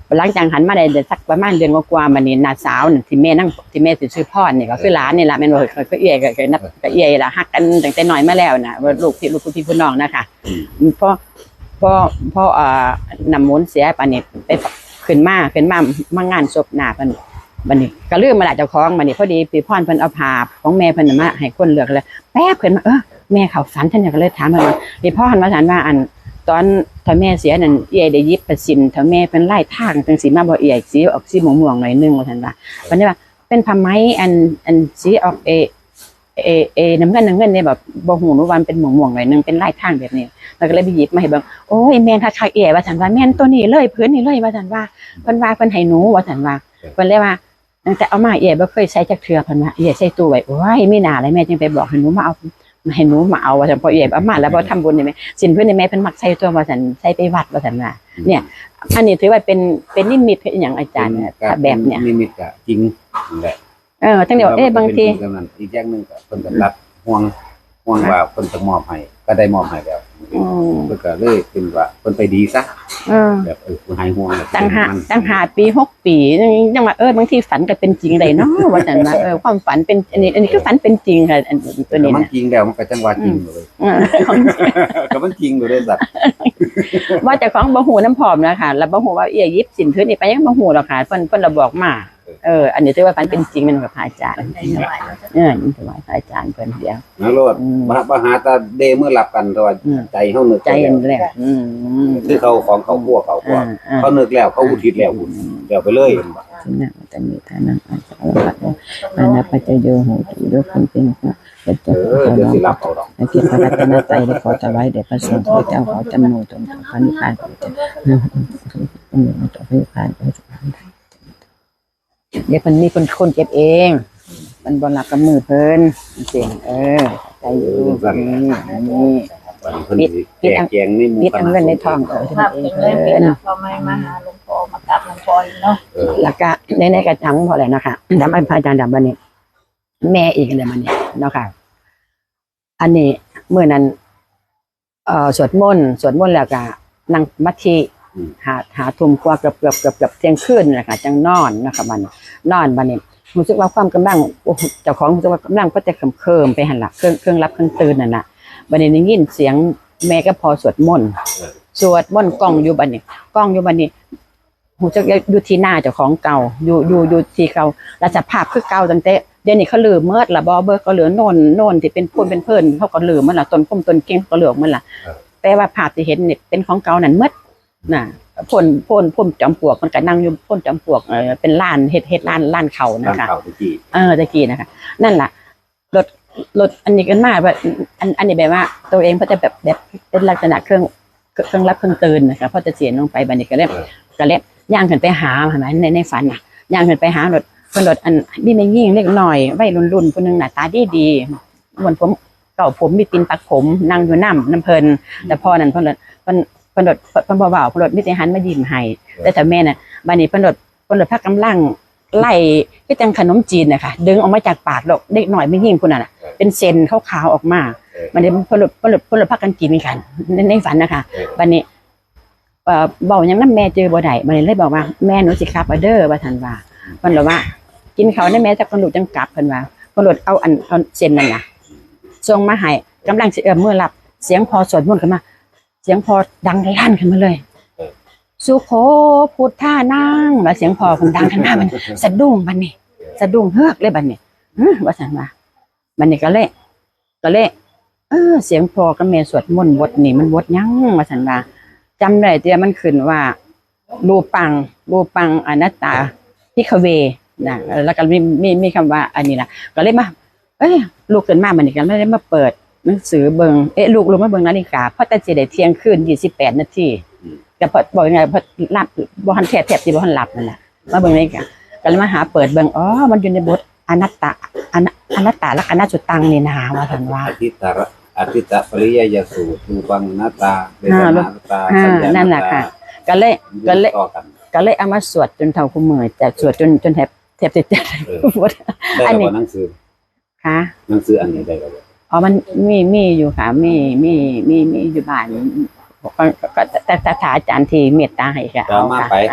[SPEAKER 3] หลังจากหันมาได้สักประมาณเดือนกว่าๆมานี่น้าสาวน่ะที่แม่นั่งที่แม่สิชื่อพ่อนี่ก็คือหลานนี่ล่ะแม่นบ่เคยก็เอื้อยก็เคยนับก็เอื้อยล่ะฮักกันตั้งแต่น้อยมาแล้วน่ะว่าลูกพี่ลูกพี่พี่น้องนะคะพอพอพอเอ่อนำมนต์เสียปานนี้ไปขึ้นมาขึ้นมามางานศพหน้าเพิ่นบัดนี้ก็ลืมมาละเจ้าของบัดนี้พอดีพี่พรเพิ่นเอาภาพของแม่เพิ่นมาให้คนเลือกเลยแป๊บขึ้นมาเออแม่เข้าฝันฉันก็เลยถามเพิ่นว่าพี่พรว่าฉันว่าอันตอนถ้าแม่เสียนั่นเอียได้ยิบประสินถ้าแม่เป็นไล่ทางจังสีมาบ่เอียสีออกสีม่วงๆหน่อยนึงว่าซั่นว่าเพิ่นว่าเป็นผ้าไหมอันอันสีออกเอเอเอน้ำเงินน้ำเงินเนี่ยแบบบ่ฮู้ว่ามันเป็นม่วงๆหน่อยนึงเป็นไล่ทางแบบนี้แล้วก็เลยไปหยิบมาให้เบิ่งโอ้ยแม่นคักๆเอียว่าซั่นว่าแม่นตัวนี้เลยพื้นนี้เลยว่าซั่นว่าเพิ่นว่าเพิ่นให้หนูว่าซั่นว่าเพิ่นเลยว่าตั้งแต่เอามาเอียบ่เคยใช้จักเทื่อเพิ่นว่าเอียใส่ตู้ไว้โอ้ยมีหน้าอะไรแม่จึงไปบอกให้หนูมาเอาให้หนูมาเอาว่าซั่นพอเอียเอามาแล้วบ่ทำบุญนี่แม่สินเพิ่นนี่แม่เพิ่นมักใส่ตัวว่าซั่นใส่ไปวัดว่าซั่นว่าเนี่ยอันนี้ถือว่าเป็นเป็นนิมิตคือหยังอาจารย์เนี่ยถ้าแบบเนี้ย
[SPEAKER 1] นิมิตก็จริงนั่นแหละ
[SPEAKER 3] เออทั้งเดียวเอ๊ะบางที
[SPEAKER 1] อีกอย่างหนึงก็เพิ่นก็รับห่วงห่วงว่าเพิ่นจะมอบให้ก็ได้มอบให้แล้ว
[SPEAKER 3] อืม
[SPEAKER 1] เพิ่นก็เลยเป็นว่าเพิ่นไปดีซะ
[SPEAKER 3] เออ
[SPEAKER 1] แบบเออหายห่วง
[SPEAKER 3] ตั้งหาตั้งหาปีหกปียังว่าเออบางทีฝันก็เป็นจริงได้เนาะว่าซั่นว่าเออความฝันเป็นอันนี้อันนี้คือฝันเป็นจริงค่ะอันตัวนี้
[SPEAKER 1] มัน
[SPEAKER 3] นะ
[SPEAKER 1] จริงแล้วมันก็จังว่าจริงเลย
[SPEAKER 3] เออ
[SPEAKER 1] ก็มันจริงอยู่เลยสัตว์
[SPEAKER 3] ว่าแต่ของบ่ฮู้น้ำผอมนะคะแล้วบ่ฮู้ว่าเอียยิบสินพื้นนี่ไปยังบ่ฮู้หรอกค่ะเพิ่นเพิ่นระบอกมาเอออันนี้ถือว่าฝันเป็นจริงแม่นกับพระอาจารย์
[SPEAKER 2] ในสมัยเราจะ
[SPEAKER 3] เออนี่ถวายพระอาจารย์เพิ่นเดียว
[SPEAKER 1] นะโลด
[SPEAKER 3] อืม
[SPEAKER 1] มามาหาตาเดมื้อหลับกันแต่ว่า
[SPEAKER 3] อืม
[SPEAKER 1] ใจเฮานึก
[SPEAKER 3] ใจ
[SPEAKER 1] แล้ว
[SPEAKER 3] แรกอืม
[SPEAKER 1] คือเขาของเขาพวกเขาพว
[SPEAKER 3] อ่าก อ่า
[SPEAKER 1] เขานึกแล้วเขาอุทิศแล้วเดี๋ยวไปเลย
[SPEAKER 3] สินะจะมีฐานะอาสาวะอานาปัจจโยโหตุโยคนเป็นพระเป็น
[SPEAKER 1] เอ
[SPEAKER 3] เจ้า
[SPEAKER 1] อเดี๋ยวสิรับเอาดอก
[SPEAKER 3] ในที่พระรัตนตรัยได้ขอถวายแด่พระสงฆ์ที่เจ้าขอจำนวนตนพระนิพพานของเจ้าอืมต่อพระนิพพานของเจ้าเดี๋ยวมันมีคนคนเก็บเองมันบนหลักกับมือเพิ่นเสียงเออใจอยู่นี่นี่
[SPEAKER 1] วันเพิ่นสิแจกแจงนี่หมู่
[SPEAKER 3] นิดอันเงินในทองเออ
[SPEAKER 2] ภาพเป็นเรื่องเป็นพอไม่มาหาหลวงพ่อมากราบหลวงพ่ออีกเนาะ
[SPEAKER 1] เออ
[SPEAKER 3] แล้วก็ในในกระชังพอแล้วนะคะดำอันพระอาจารย์ดำบันนี้แม่อีกเลยมันนี่เนาะค่ะอันนี้เมื่อนั้นเอ่อสวดมนต์สวดมนต์แล้วก็นั่งมัธยหาหาทุ่มกว่าเกือบเกือบเกือบเกือบเที่ยงคืนนะคะจังนอนนะคะมันนอนบันนี้รู้สึกว่าความกำลังโอ้โหเจ้าของรู้สึกว่ากำลังก็จะเคิมเคิมไปหันหลักเครื่องเครื่องรับเครื่องตื่นนั่นแหละบันนี้ได้ยินเสียงแม่ก็พอสวดมนต์สวดมนต์กล้องอยู่บันนี้กล้องอยู่บันนี้หูจะอยู่ที่หน้าเจ้าของเก่าอยู่อยู่อยู่ที่เก่าแล้วสภาพคือเก่าตั้งแต่เดี๋ยวนี้เขาลืมเมื่อละบอเบอร์ก็เหลือโน่นโน่นที่เป็นพูนเป็นเพิ่นเขาก็ลืมมันละต้นพุ่มต้นเก่งก็เหลือมันละแต่ว่าภาพที่เห็นเนี่ยเป็นของเก่านั่นเมื่อน่ะพ่นพ่นพ่นจอมปลวกมันก็นั่งอยู่พ่นจอมปลวกเออเป็นล้านเฮ็ดเฮ็ดล้านล้านเขา
[SPEAKER 1] ร้าน
[SPEAKER 3] นะคะ
[SPEAKER 1] ข้าวตะกี้
[SPEAKER 3] เออตะกี้นะคะนั่นแหละรถรถอันนี้กันมาแบบอันอันนี้แบบว่า ตัวเองก็จะแบบแบบเป็นลักษณะเครื่องเครื่องรับเครื่องตื่นนะคะเพราะจะเสียลงไปบันนี้ก็เล็บก็เล็บย่างขึ้นไปหาเห็นไหมในในฝันน่ะย่างขึ้นไปหารถคนรถอันพี่ไม่ยิ่งเล็กหน่อยวัยรุ่นรุ่นคนนึงหน้าตาดีดีเหมือนผมเก่าผมมีปินปักผมนั่งอยู่น้ำน้ำเพลินแต่พอนั้นเพนรถเพนเพนรถเพนเบาๆเพนรถมิตรหันมายิ้มให้แต่แต่แม่น่ะบันนี้เพนรถเพนรถพักกำลังไล่ก็จังขนมจีนนะคะดึงออกมาจากปากหรอกเด็กหน่อยไม่ยิ่งคนนั้นน่ะเป็นเซนขาวๆออกมามันนี้เพนรถเพนรถเพนรถพักกันกินกันในในฝันนะคะบันนี้เอ่อบอกยังน้ำแม่เจอบ่ได้บันนี้เลยบอกว่าแม่หนูสิครับอเดอร์ว่าทันว่าเพิ่นบอกว่ากินเขาได้แม่จากคนลูกจังกลับเพิ่นว่าคนลูกเอาอันเอาเส้นนั่นน่ะส่งมาให้กำลังสิเอื้อมมือรับเสียงพอสวดมนต์ขึ้นมาเสียงพอดังลั่นขึ้นมาเลยสุโขพุทธานั่งแล้วเสียงพอเพิ่นดังขึ้นมามันสะดุ้งบัดนี้สะดุ้งเฮือกเลยบัดนี้อื้อว่าซั่นว่าบัดนี้ก็เลยก็เลยเออเสียงพอกับแม่สวดมนต์บทนี้มันบทหยังว่าซั่นว่าจำได้แต่มันขึ้นว่ารูปังรูปังอนัตตาพิคเวนะแล้วก็มีมีมีคำว่าอันนี้นะก็เลยมาเอ้ยลูกเกินมามันนี่กันไม่ได้มาเปิดหนังสือเบิงเอ๊ะลูกลูกมาเบิงนาฬิกาเพราะแต่สิได้เที่ยงคืนยี่สิบแปดนาทีแต่พอบอกยังไงพอหลับบ่ทันแทบแทบสิบ่ทันหลับนั่นแหละมาเบิงนาฬิกาก็เลยมาหาเปิดเบิงอ๋อมันอยู่ในบทอนัตตาอนัอนัตตาลักษณะจุตังนี่นะว่าซั่นว่า
[SPEAKER 1] อาทิตตะระอาทิตตะปริยยสูตรรูปังนาตาเวทนาตา
[SPEAKER 3] อ่า
[SPEAKER 1] สัญญา
[SPEAKER 3] นั่นแหละค่ะ ก็เลยก็เลย
[SPEAKER 1] ต่อกัน
[SPEAKER 3] ก็เลยเอามาสวดจนเท่าคู่มือแต่สวดจนจนแทบแทบจะจะ
[SPEAKER 1] เออ
[SPEAKER 3] หมด
[SPEAKER 1] ได้
[SPEAKER 3] อัน
[SPEAKER 1] แล้ว
[SPEAKER 3] นี้
[SPEAKER 1] บ่หนังสือ
[SPEAKER 3] ค่ะ
[SPEAKER 1] หนังสืออันนี้ได้แล้วบ่
[SPEAKER 3] อ๋อมันมีมีอยู่ค่ะมีมีมีมีอยู่บ้านก็ก็แต่แต่ถ้าอาจารย์ที่เมตตาให้ค่ะ
[SPEAKER 1] จะเอามาไป
[SPEAKER 3] ค่ะ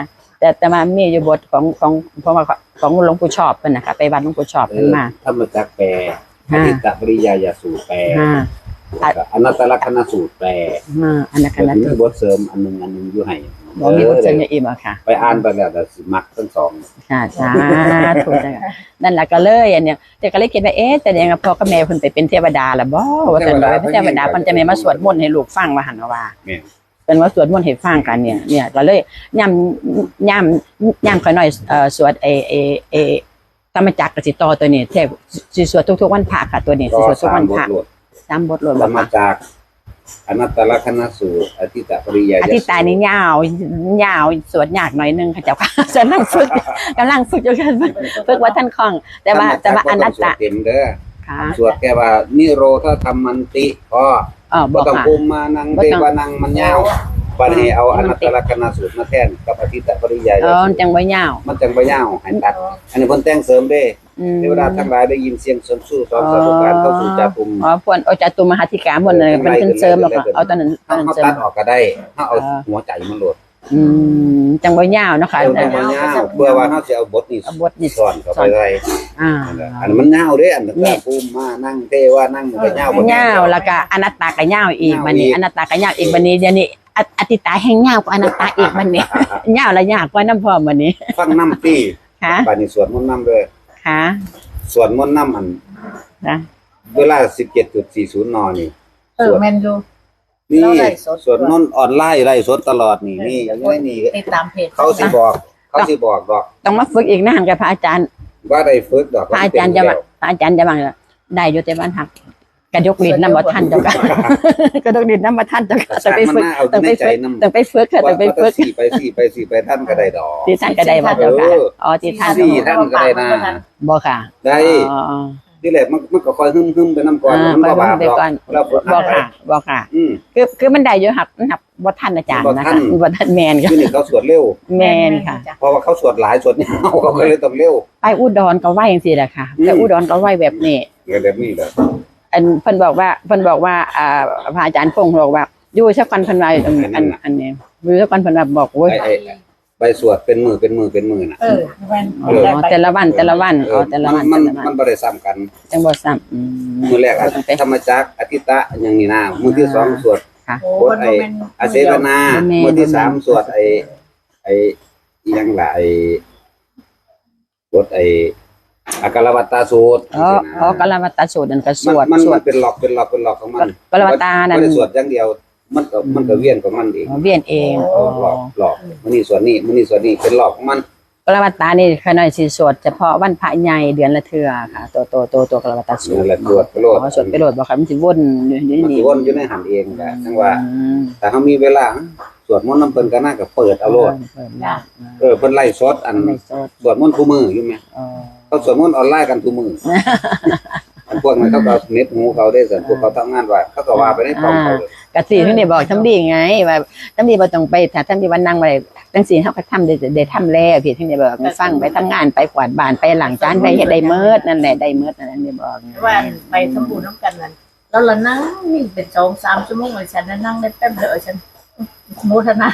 [SPEAKER 3] แต่แต่มามีอยู่บทของของเพราะว่าของหลวงปู่ชอบเพิ่นนะคะไปวัดหลวงปู่ชอบเพิ่นมา
[SPEAKER 1] ธรรมจักรแปลอธิตตปริยายสูตรแปล
[SPEAKER 3] อ่า
[SPEAKER 1] อนัตตลักษณสูตรแปล
[SPEAKER 3] อ่าอันนั้นคณะ
[SPEAKER 1] มีบทเสริมอันหนึงอันหนึงอยู่ให้
[SPEAKER 3] บ่มีบทเสนออีกบ่ค่ะ
[SPEAKER 1] ไปอ่านไปแล้วแต่สิมักทั้งสอง
[SPEAKER 3] ค่ะสาธุจ้ะนั่นแหละก็เลยอันเนี้ยแต่ก็เลยคิดว่าเอ๊ะแต่ยังพ่อกับแม่เพิ่นไปเป็นเทวดาล่ะบ่ว่าแต่ว่าเทวดาเพิ่นจะไม่มาสวดมนต์ให้ลูกฟังว่าหั่นว่า
[SPEAKER 1] แม่น
[SPEAKER 3] เป็นว่าสวดมนต์ให้ฟังกันเนี่ยเนี่ยก็เลยย่ำย่ำย่ำค่อยหน่อยเอ่อสวดเอเอเอธรรมจักรกับสิต่อตัวนี้แทบสิสวดทุกๆวันพระค่ะตัวนี้สิ
[SPEAKER 1] ก็
[SPEAKER 3] สวดทุก
[SPEAKER 1] สา
[SPEAKER 3] วั
[SPEAKER 1] ม
[SPEAKER 3] น
[SPEAKER 1] บ
[SPEAKER 3] พ
[SPEAKER 1] ท
[SPEAKER 3] ระ
[SPEAKER 1] โลด
[SPEAKER 3] สามบทรวด
[SPEAKER 1] ธ
[SPEAKER 3] บ่
[SPEAKER 1] รรม
[SPEAKER 3] ค่ะ
[SPEAKER 1] จักรอนัตตลักษณสูตรอธิตตปริยาย
[SPEAKER 3] อธิตายนี่ยาวยาวสวดยากหน่อยนึงค่ะเจ้าค่ะ จะนั่งฝึกกำลังฝึกอยู่กันฝึกว่าท่านคล่อง แต่ว่าแต่ว่าอนัตตะ
[SPEAKER 1] เต็มเด้อ
[SPEAKER 3] ค่ะ
[SPEAKER 1] สวดแค่ว่านิโรธธรรมันติพอ
[SPEAKER 3] อ๋อ
[SPEAKER 1] บ่
[SPEAKER 3] บอก
[SPEAKER 1] ต้อง
[SPEAKER 3] ค่ะ
[SPEAKER 1] ภูมิมานังเทวานังมันยาวบัดนี้เอาอนัตตลักษณสูตรมาแทนกับอธิตตปริยาย
[SPEAKER 3] เออจังบ่ยาว
[SPEAKER 1] มันจังบ่ยาวให้ตัด อันนี้เพิ่นแต่งเสริมเด้
[SPEAKER 3] อืม
[SPEAKER 1] เทวดาทั้งหลายได้ยินเสียงสนสู้สอนสาธุการเข้าสู่จาตุม
[SPEAKER 3] อ๋อพวนโอจาตุมหาธิกาหมดเลยมันขึ้นเสริมแล้วก็เอาตอนนั้นตอนนั้น
[SPEAKER 1] เฮา
[SPEAKER 3] เสริ
[SPEAKER 1] ตั
[SPEAKER 3] ม
[SPEAKER 1] ดออกก็ได้เฮาเอาหัวใจมันโหลด
[SPEAKER 3] อืมจังบ่ยาวเนาะค่ะ
[SPEAKER 1] เดี๋ยวมันยาวเพื่อว่าเฮาสิเอาบทนี้
[SPEAKER 3] เอาบทนี้
[SPEAKER 1] สอนเข้าไปได้
[SPEAKER 3] อ่า
[SPEAKER 1] อันนั้นมันยาวเด้อันนั้นก็ภูมิมานั่งเทวานั่งมันก็ยาวบ่
[SPEAKER 3] ยาวแล้วก็อนัตตาก็ยาวอีกบัดนี้
[SPEAKER 1] ยาวอีก
[SPEAKER 3] อนัตตาก็ยาวอีกบัดนี้เดี๋ยวนี้ออธิตาแห่งยาวกว่าอนัตตาอีกบัดนี้ ยาวและยากกว่าน้ำพร้อมบัดนี้
[SPEAKER 1] ฟังนำตี้
[SPEAKER 3] ค่ะ
[SPEAKER 1] บัดนี้สวดมนต์นำเด้อ
[SPEAKER 3] ค่ะ
[SPEAKER 1] สวดมนต์นำอัน
[SPEAKER 3] นะ
[SPEAKER 1] เวลา สิบเจ็ดจุดสี่ศูนย์ นนี่
[SPEAKER 2] เออแมนยู
[SPEAKER 1] นี่
[SPEAKER 2] เราไลฟ์สด
[SPEAKER 1] สวดมนต์ออนไลน์ไลฟ์สดตลอดนี่นี่อย่างนี้นี่
[SPEAKER 2] ติดตามเพจ
[SPEAKER 1] เขาสิบอก เขาสิบอกดอก
[SPEAKER 3] ต้องมาฝึกอีกนานกับพระอาจารย์
[SPEAKER 1] ว่าได้ฝึกดอก
[SPEAKER 3] พระอาจารย์จะว่าพระอาจารย์จะว่าได้อยู่แต่บ้านหักกระยกลิ้นน้ำบ่ทันเจ้าค่ะ กระยกลิ้นน้ำบ่ทันเจ้าค่ะ
[SPEAKER 1] ต้
[SPEAKER 3] ต้
[SPEAKER 1] อ
[SPEAKER 3] อง ง
[SPEAKER 1] ไป
[SPEAKER 3] ไป
[SPEAKER 1] ฝึ
[SPEAKER 3] ฝึ
[SPEAKER 1] ก
[SPEAKER 3] ก
[SPEAKER 1] ต้
[SPEAKER 3] ต้
[SPEAKER 1] อ
[SPEAKER 3] อง ง
[SPEAKER 1] ไป
[SPEAKER 3] ไป
[SPEAKER 1] ฝึ
[SPEAKER 3] ฝึ
[SPEAKER 1] ก
[SPEAKER 3] กต้องไปฝึกค่ะต้องไปฝึก
[SPEAKER 1] สี่ไปสี่ไปสี่ไปท่านก็ได้ดอก
[SPEAKER 3] ที่ท่านก็ได้ว่าเจ้าค่ะอ๋อที่ท่าน
[SPEAKER 1] สี่ท่านก็ได้นะ
[SPEAKER 3] บ่ค่ะ
[SPEAKER 1] ได้
[SPEAKER 3] อ๋อ
[SPEAKER 1] ที่แรกมันมันก็คอยหึ่มๆไปน้ำก่อน
[SPEAKER 3] อ่า
[SPEAKER 1] มันก็บาป
[SPEAKER 3] ไป
[SPEAKER 1] ดอก
[SPEAKER 3] ก่อน
[SPEAKER 1] แล้วฝึก
[SPEAKER 3] บ่
[SPEAKER 1] หัดไป
[SPEAKER 3] ค่ะบ่ค่ะ
[SPEAKER 1] อืม
[SPEAKER 3] คือคือมันได้อยู่ครับนับบ่ทันอาจารย์นะ
[SPEAKER 1] บ่ทั
[SPEAKER 3] คะ
[SPEAKER 1] น
[SPEAKER 3] บ่ทันแม่นค่ะ
[SPEAKER 1] ที่นี่เขาสวดเร็ว
[SPEAKER 3] แม่นค่ะ
[SPEAKER 1] เพราะว่าเขาสวดหลายสวดยาวเขาก็เลยต้องเร็ว
[SPEAKER 3] ไปอุดรก็ไหวจังซี่แหละค่ะ
[SPEAKER 1] อืม
[SPEAKER 3] แต่อุดรก็ไหวแบบนี้
[SPEAKER 1] เดี๋ยวแบบนี้แหละ
[SPEAKER 3] อันเพิ่นบอกว่าเพิ่นบอกว่าอ่าพระอาจารย์พงศ์บอกว่าอยู่สักวันเพิ่นว่าอันอันอันนี้อยู่สักวันเพิ่นว่าบอกโอ้ย
[SPEAKER 1] ไอ้ไอ้ไปสวดเป็นมือเป็นมือเป็นมือน่ะ
[SPEAKER 2] เออแมน
[SPEAKER 3] อ๋อแต่ละวันแต่ละวันอ๋อแต่ละวัน
[SPEAKER 1] มัน
[SPEAKER 3] แต่ละวัน
[SPEAKER 1] มันบ่ได้ซ้ำกัน
[SPEAKER 3] จังบ่ซ้ำอืม
[SPEAKER 1] มือแรกอะ
[SPEAKER 3] ต้องไป
[SPEAKER 1] ธรรมจักรอธิตะอย่างนี้นะมือที่สองสวด
[SPEAKER 3] ค่ะ
[SPEAKER 2] โอ้
[SPEAKER 1] โค
[SPEAKER 2] ค
[SPEAKER 1] ต
[SPEAKER 2] น
[SPEAKER 1] ไอ้
[SPEAKER 2] บ่แม่น
[SPEAKER 1] อาเสวนา
[SPEAKER 3] บ่แม่น
[SPEAKER 1] มือที่
[SPEAKER 3] บ่แม่น
[SPEAKER 1] สามสวดไอ้ไอ้อิหยังล่ะไอ้สวดไอ้อากาลวัตตาสูตร
[SPEAKER 3] อ๋ออ๋อกลวัตตสูตรนั่นก็ส
[SPEAKER 1] มัน
[SPEAKER 3] วด
[SPEAKER 1] มัน
[SPEAKER 3] สว
[SPEAKER 1] มั
[SPEAKER 3] ด
[SPEAKER 1] นเป็นหลอกเป็นหลอกเป็นหลอกของมัน
[SPEAKER 3] กลวัตตานั่น
[SPEAKER 1] ไม่ได้สวดอย่างเดียว มันก็มันก็เวียนของมันเอง
[SPEAKER 3] เวียนเอง
[SPEAKER 1] หลอกหลอกหลอกมันนี่ส่วนนี้มันนี่ส่วนนี้เป็นหลอกของมัน
[SPEAKER 3] กลวัตตานี่ขน้อยสิสวดเฉพาะวันพระใหญ่เดือนละเทื่อค่ะ ตัวตัวตัวตัวกลวัตตสูต
[SPEAKER 1] นั่
[SPEAKER 3] ร
[SPEAKER 1] นแหละสวดไปโลด
[SPEAKER 3] อ๋อสวดไปโหลดบ่ค่ะมันสิวนอยู่ใน
[SPEAKER 1] มัน
[SPEAKER 3] นี้
[SPEAKER 1] สิวนอยู่ในหันเองก็ทั้งว่า
[SPEAKER 3] อืม
[SPEAKER 1] แต่เขามีเวลาสวดมนต์น้ำเพิ่นก็น่าก็เปิดเอาโลด
[SPEAKER 3] เปิดแล้ว
[SPEAKER 1] เออเพิ่นไล่สดอัน
[SPEAKER 3] ในสด
[SPEAKER 1] สวดมนต์คู่มืออยู่ไหม
[SPEAKER 3] อ๋อ
[SPEAKER 1] เขาสวดมนต์ออนไลน์กันคู่มือ อันพวกนั้นเขาก็เน็ตหูเขาได้ส่วนพวกเขาทำงานว่าเขาก็ว่าไปในกล่องเขาเลย
[SPEAKER 3] กะสิเพิ่นได้บอกทำดีไงว่าทำดีบ่ต้องไปถ้าทำดีวันนั่งบ่ได้จังซี่เฮาก็ทำได้ได้ทำแล้วพี่เพิ่นได้บอกให้ฟังไปทำงานไปกวาดบ้านไปล้างจานไปเฮ็ดได้เมิดนั่นแหละได้เมิดนั่นอันนี้บอกไง
[SPEAKER 2] ว่าไปทำบุญน้ำกันนั่นแล้วเรานั่งนี่เป็นสองสามชั่วโมงเลยฉันนั่งได้แป๊บเดียวฉันโมทนา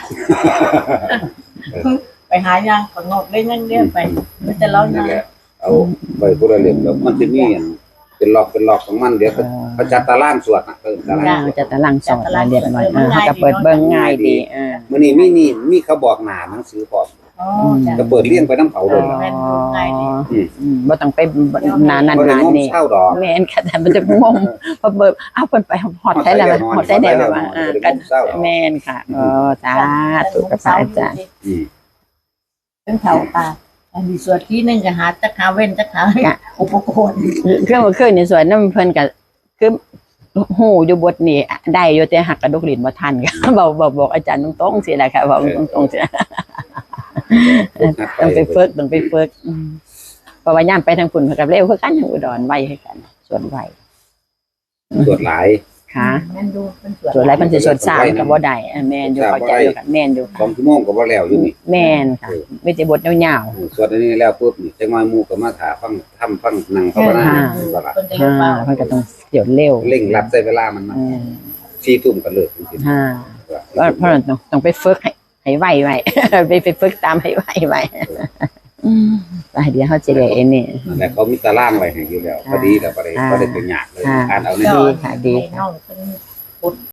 [SPEAKER 2] ไปหายางของงอกได้ยังเดียวไปไม่แต่เรา
[SPEAKER 1] นั่
[SPEAKER 2] นั่
[SPEAKER 1] น
[SPEAKER 2] ง
[SPEAKER 1] แหละเอาไปผู้ละเล่มแล้วมันจะมีอันเป็นหลอกเป็นหลอกของมันเดี๋ยวเขาเขาจัดตารางสวดน่ะเพิ่นตาราง
[SPEAKER 3] ย่างจะตะลังสอนมาเรียบร้อยเออเขาก็เปิดเบิ่งง่ายดีเออ
[SPEAKER 1] มื้อนี้มีนี่มีเขาบอกหน้าหนังสือพร้อม
[SPEAKER 2] อ๋อจ้ะ
[SPEAKER 1] ก็เปิดเรียงไปน้ำเขาเลยล่ะ
[SPEAKER 2] แม่นดูง่ายดี
[SPEAKER 3] อืมบ่ต้องไปนานนาน
[SPEAKER 1] บ่ได้
[SPEAKER 3] นาน
[SPEAKER 1] งม
[SPEAKER 3] นี่
[SPEAKER 1] เช่าดอก
[SPEAKER 3] แม่นค่ะแต่มันจะงมพอเบิดอ้าวเพิ่นไปฮอดได้แล้วฮอดได้แล้วว่าอ่าก็แม่นค่ะเออสาธุกับพระอาจารย์
[SPEAKER 1] อืม
[SPEAKER 2] เป็นเท่าตาอันนี้ส่วนที่หนึ่งก็หาจักหาเว้นจักหาอุปกรณ์
[SPEAKER 3] เครื่องเครื่องในสวนนั้นเพิ่นก็คือหูอยู่บทนี้ได้อยู่แต่หักกระดกลิ้นบ่ทันก็ บอกบอกบอกอาจารย์ตรงๆสิแหละค่ะบอกตรงๆสิต้องไปฝึกต้องไปฝึกอืมเพราะว่าย่ามไปทางฝุ่นกับเร็วคือกันทางอุดรไวคือกันส่วนไว
[SPEAKER 1] สวดหลาย
[SPEAKER 3] ค่ะ
[SPEAKER 2] แม่นดูเป็นส่วน
[SPEAKER 3] ส่วนไรมันสิส่วนสามก็บ่ได้อ่ะแม่นอยู่เข้าใจอยู่ค่ะแม่นอยู่
[SPEAKER 1] สอ
[SPEAKER 3] ค่ะ
[SPEAKER 1] งชั่วโมงก็บ่แล้วอยู่นี่
[SPEAKER 3] แม่นค่ะมีแต่บทยาว
[SPEAKER 1] สวดอันนี้แล้วปุ๊บนี่จังหวะหมู่ก็มาถาฟังทำฟังนั่งภาวนาก็ละ
[SPEAKER 2] คนจะ
[SPEAKER 3] ๆ
[SPEAKER 2] เรียก
[SPEAKER 3] อ่า
[SPEAKER 2] ว่า
[SPEAKER 3] เพิ่นก็ต้องเดี๋ยวเร็ว
[SPEAKER 1] เร่งรัดใช้เวลามันมา
[SPEAKER 3] อืม
[SPEAKER 1] สี่ทุ่มก็เลิกจริง
[SPEAKER 3] อ่า
[SPEAKER 1] ๆ
[SPEAKER 3] เพราะเพราะต้องต้องไปฝึกให้ให้ให้ไหวไว้ ไปไปฝึกตามให้ไหวไว้ไปเดี๋ยวเขาจะได้นี่
[SPEAKER 1] แต่เขามีตารางไว้ให้อยู่แล้วพอดีแล้วบ่ได้บ่ได้เป็นยากเลยอ่านเอาใน
[SPEAKER 3] ดีค่ะดี
[SPEAKER 2] ให้น้องเป็น